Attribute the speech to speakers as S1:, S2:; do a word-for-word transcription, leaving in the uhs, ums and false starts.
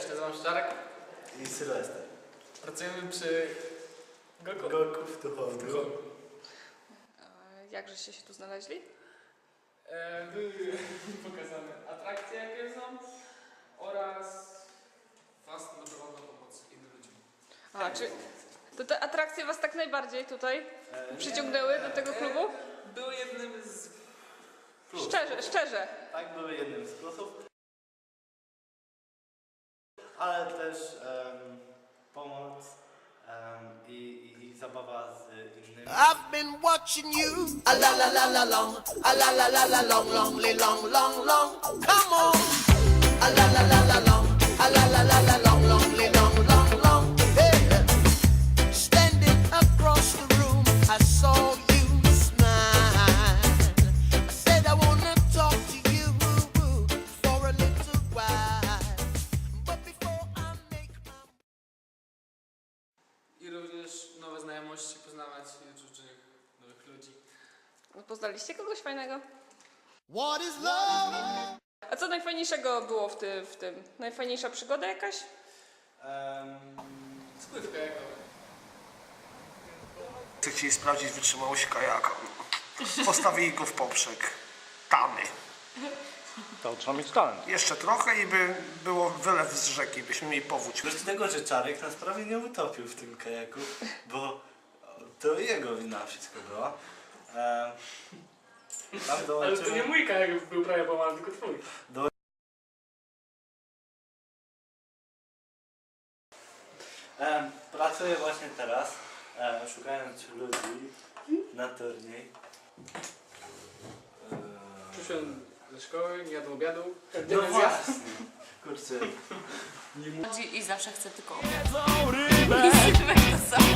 S1: Cześć, nazywam się Czarek.
S2: I Sylwester.
S1: Pracujemy przy Goku.
S2: Goku w Tuchowiu.
S3: Jakżeście się tu znaleźli?
S1: E, były pokazane atrakcje, jakie są oraz was dobrowolna pomoc innym ludziom.
S3: A, czy to te atrakcje was tak najbardziej tutaj
S2: E,
S3: przyciągnęły do tego klubu?
S1: E, były jednym z...
S2: Plus.
S3: Szczerze, szczerze.
S2: Tak, były jednym z plusów. Ale też em, pomoc em, i, i, i zabawa z innymi.
S4: I've been watching you. A la la la la long. A la la la la long, long, li long, long, long. Come on. A la la la la long. A la la la la long, long, li long, long, long. Hey. Standing across the room, I saw you smile. I said I wanna talk to you for a little while. But before I make my
S1: I również nowe znajomości, poznawać różnych nowych ludzi.
S3: Poznaliście kogoś fajnego?
S4: What is love?
S3: A co najfajniejszego było w, ty, w tym? Najfajniejsza przygoda jakaś?
S2: Em,
S1: Spływ kajakowy.
S5: Chcę chcieli sprawdzić wytrzymałość kajaka. Postawili go w poprzek. Tamy.
S6: To trzeba mieć talent.
S5: Jeszcze trochę i by było wylew z rzeki, byśmy mieli powódź.
S2: Wiesz tego, że Czarek nas prawie nie utopił w tym kajaku, bo to jego wina wszystko była. Em, tam
S1: Ale
S2: dołączyło...
S1: to nie mój kajak był prawie połamany, tylko twój.
S2: Em, pracuję właśnie teraz, em, szukając ludzi na turniej. Em,
S1: Przyszedłem ze szkoły, nie jadł obiadu.
S2: No właśnie, kurczę.
S7: Chodzi i zawsze chce tylko obiad. I Sylwek to samo.